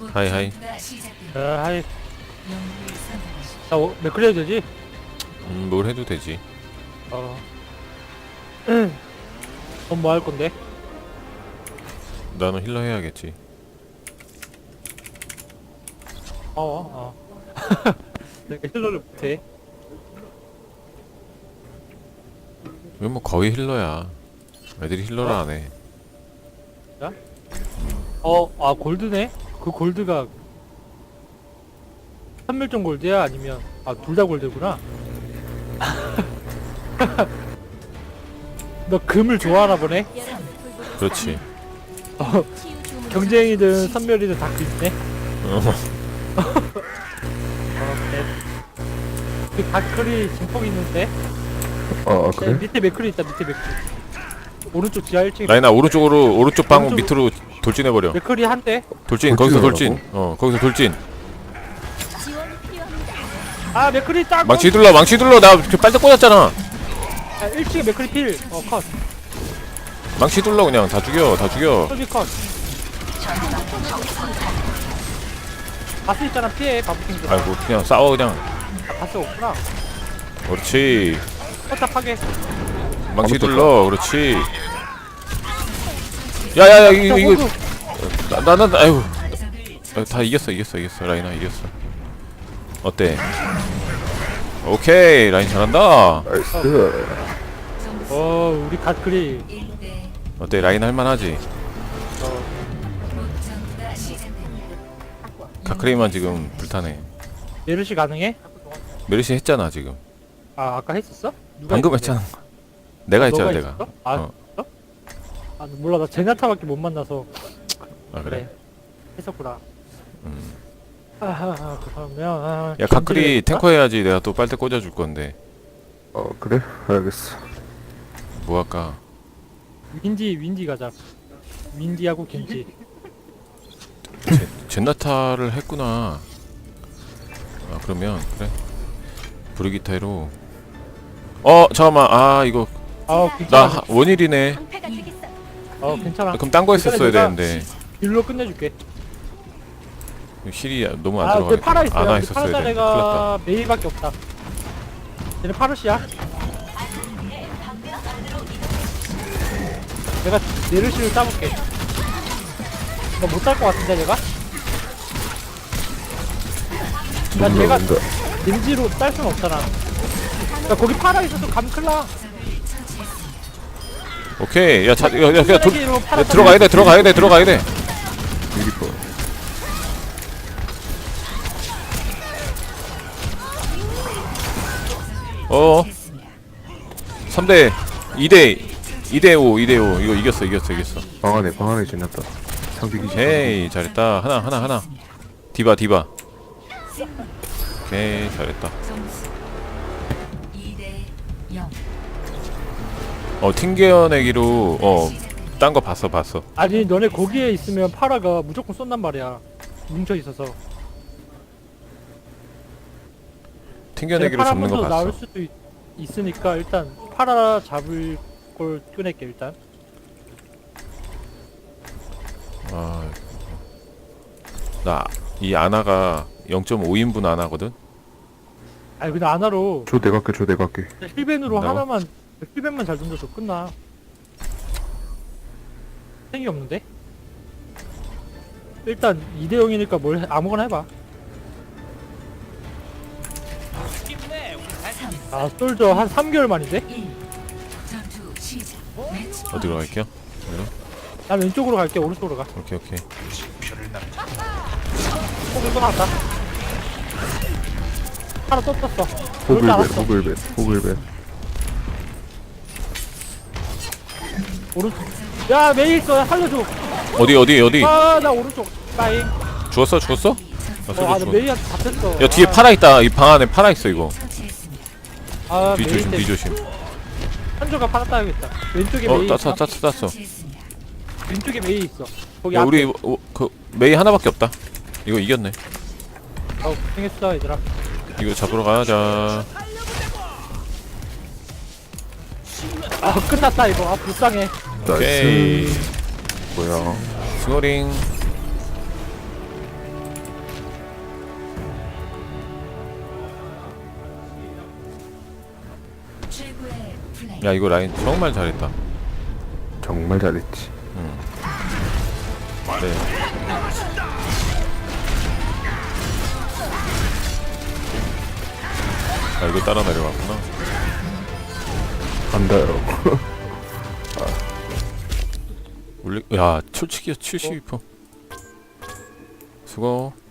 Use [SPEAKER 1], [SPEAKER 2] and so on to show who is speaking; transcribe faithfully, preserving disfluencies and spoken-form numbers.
[SPEAKER 1] 하이 하이.
[SPEAKER 2] 아, 하이. 나 어, 맥클리 해도 되지?
[SPEAKER 1] 음, 뭘 해도 되지.
[SPEAKER 2] 어. 넌 뭐 할 건데?
[SPEAKER 1] 나는 힐러 해야겠지.
[SPEAKER 2] 어, 어. 내가 힐러를 못해.
[SPEAKER 1] 이건 뭐 거의 힐러야. 애들이 힐러를 안 해.
[SPEAKER 2] 어, 아, 골드네? 그 골드가 삼멸종 골드야? 아니면, 아, 둘 다 골드구나? 너 금을 좋아하나 보네?
[SPEAKER 1] 그렇지.
[SPEAKER 2] 어, 경쟁이든 선멸이든 다 금이네?
[SPEAKER 1] 어.
[SPEAKER 2] 어, 그래. 그 다크리 진폭 있는데?
[SPEAKER 3] 아, 아
[SPEAKER 2] 야,
[SPEAKER 3] 그래?
[SPEAKER 2] 밑에 맥클이 있다, 밑에 맥클. 오른쪽 지하 일 층에
[SPEAKER 1] 라인아 오른쪽으로 오른쪽 방문
[SPEAKER 2] 오른쪽-
[SPEAKER 1] 밑으로 돌진해버려.
[SPEAKER 2] 맥클이 한 대?
[SPEAKER 1] 돌진 거기서
[SPEAKER 3] 돌진을
[SPEAKER 1] 돌진. 어 거기서 돌진.
[SPEAKER 2] 아, 맥클이 딱!
[SPEAKER 1] 망치 둘러 망치 둘러 나 빨대 꽂았잖아.
[SPEAKER 2] 아, 일 층에 맥클이 필! 어, 컷.
[SPEAKER 1] 망치 둘러 그냥 다 죽여 다 죽여.
[SPEAKER 2] 솔비 컷. 바스 있잖아, 피해, 바보킹들.
[SPEAKER 1] 아이고 그냥 싸워 그냥.
[SPEAKER 2] 바스 없구나.
[SPEAKER 1] 그렇지.
[SPEAKER 2] 포탑하게.
[SPEAKER 1] 망치
[SPEAKER 3] 아무것도
[SPEAKER 1] 둘러 그렇지. 야야야 이거 이거 나나 아이고 아, 다 이겼어 이겼어 이겼어 라인아 이겼어. 어때? 오케이 라인 잘한다.
[SPEAKER 3] 나이스.
[SPEAKER 2] 어, 우리 갓클이.
[SPEAKER 1] 어때 라인 할만하지?
[SPEAKER 2] 어,
[SPEAKER 1] 가크레이만 지금 불타네.
[SPEAKER 2] 메르시 가능해?
[SPEAKER 1] 메르시 했잖아 지금.
[SPEAKER 2] 아, 아까 했었어? 누가
[SPEAKER 1] 방금
[SPEAKER 2] 했는데?
[SPEAKER 1] 했잖아. 내가 했잖아
[SPEAKER 2] 너가
[SPEAKER 1] 내가.
[SPEAKER 2] 했었어? 아,
[SPEAKER 1] 어.
[SPEAKER 2] 했어? 아, 몰라, 나 제나타밖에 못 만나서.
[SPEAKER 1] 아 그래?
[SPEAKER 2] 했었구나.
[SPEAKER 1] 음.
[SPEAKER 2] 아, 그러면. 아,
[SPEAKER 1] 야 가크리
[SPEAKER 2] 겐지를
[SPEAKER 1] 탱커 해야지. 내가 또 빨대 꽂아줄 건데
[SPEAKER 3] 어 그래? 알겠어.
[SPEAKER 1] 뭐 할까?
[SPEAKER 2] 윈디, 윈디 가자. 윈디하고 겐지.
[SPEAKER 1] 제, 젠나타를 했구나. 아 그러면 그래. 브리기타로. 어 잠깐만 아 이거
[SPEAKER 2] 아,
[SPEAKER 1] 나
[SPEAKER 2] 괜찮아.
[SPEAKER 1] 하- 원일이네.
[SPEAKER 2] 어, 괜찮아.
[SPEAKER 1] 그럼 딴 거 했었어야
[SPEAKER 2] 내가
[SPEAKER 1] 되는데
[SPEAKER 2] 딜로 끝내줄게.
[SPEAKER 1] 힐이 너무 안
[SPEAKER 2] 아, 그
[SPEAKER 1] 들어가니까
[SPEAKER 2] 파라 있어요.
[SPEAKER 1] 안와
[SPEAKER 2] 근데
[SPEAKER 1] 있었어야
[SPEAKER 2] 파라자
[SPEAKER 1] 되는데 큰일 났다.
[SPEAKER 2] 내가 메이밖에 없다. 얘는 파르시야. 내가 네르시를 따볼게. 나 못 딸 것 같은데 내가? 나
[SPEAKER 3] 뭔가
[SPEAKER 2] 내가
[SPEAKER 3] 뭔가.
[SPEAKER 2] 겐지로 딸 순 없잖아. 야 거기 파라 있어서 감클라.
[SPEAKER 1] 오케이 야, 자, 야, 야, 야, 돌,
[SPEAKER 2] 로 파라
[SPEAKER 1] 야 들어가야 돼 들어가야 돼 들어가야 돼.
[SPEAKER 3] 미리퍼.
[SPEAKER 1] 어 삼 대 이 대 이 대 오 이 대 오 이거 이겼어 이겼어 이겼어.
[SPEAKER 3] 방 안에 방 안에 지났다. 상대기.
[SPEAKER 1] 오케이 잘했다. 하나 하나 하나 디바 디바. 오케이 잘했다. 어 튕겨내기로 어 딴 거 봤어 봤어.
[SPEAKER 2] 아니 너네 거기에 있으면 파라가 무조건 쏜단 말이야. 뭉쳐 있어서.
[SPEAKER 1] 튕겨내기로 잡는 거
[SPEAKER 2] 파라 먼저 나올
[SPEAKER 1] 봤어.
[SPEAKER 2] 수도 있, 있으니까 일단 파라 잡을 걸 꺼낼게 일단.
[SPEAKER 1] 나 이 아나가 영 점 오 인분 아나거든.
[SPEAKER 2] 아니 그냥 아나로
[SPEAKER 3] 줘 내가 할게 줘 내가 할게.
[SPEAKER 2] 힐벤으로
[SPEAKER 1] 나와?
[SPEAKER 2] 하나만 힐벤만 잘 던져서 끝나. 생이 없는데? 일단 이 대 영이니까 뭘 해- 아무거나 해봐. 아 솔저 한 삼 개월 만인데?
[SPEAKER 1] 어디로 갈게요?
[SPEAKER 2] 난 왼쪽으로 갈게. 오른쪽으로 가.
[SPEAKER 1] 오케이 오케이.
[SPEAKER 2] 호글 또 나왔다. 하나 또 떴어. 그럴 줄
[SPEAKER 3] 호글벳
[SPEAKER 2] 알았어.
[SPEAKER 3] 호글벳 호글벳.
[SPEAKER 2] 오른쪽. 야 메이 있어. 살려줘.
[SPEAKER 1] 어디 어디 어디?
[SPEAKER 2] 아 나 오른쪽. 빠잉.
[SPEAKER 1] 죽었어 죽었어? 아,
[SPEAKER 2] 어,
[SPEAKER 1] 소리
[SPEAKER 2] 아, 나
[SPEAKER 1] 죽어.
[SPEAKER 2] 메이한테 잡혔어.
[SPEAKER 1] 야 뒤에
[SPEAKER 2] 아,
[SPEAKER 1] 파라 있다. 이 방 안에 파라 있어 이거.
[SPEAKER 2] 아,
[SPEAKER 1] 뒤
[SPEAKER 2] 메이
[SPEAKER 1] 조심 뒤
[SPEAKER 2] 때문에.
[SPEAKER 1] 조심.
[SPEAKER 2] 한조가 파라 따야겠다. 왼쪽에
[SPEAKER 1] 어
[SPEAKER 2] 메이
[SPEAKER 1] 땄어
[SPEAKER 2] 있어.
[SPEAKER 1] 땄어 땄어.
[SPEAKER 2] 왼쪽에 메이 있어. 거기
[SPEAKER 1] 야
[SPEAKER 2] 앞에.
[SPEAKER 1] 우리 어, 그 메이 하나밖에 없다. 이거 이겼네.
[SPEAKER 2] 어, 고생했어 얘들아.
[SPEAKER 1] 이거 잡으러 가자.
[SPEAKER 2] 아 끝났다 이거. 아 불쌍해.
[SPEAKER 1] 오케이.
[SPEAKER 3] 나이스. 뭐야?
[SPEAKER 1] 스노링. 야 이거 라인 정말 잘했다.
[SPEAKER 3] 정말 잘했지.
[SPEAKER 1] 응. 네. 아 이거 따라 내려갔구나.
[SPEAKER 3] 간다요.
[SPEAKER 1] 올리. 야 솔직히 칠십이 퍼센트. 수고.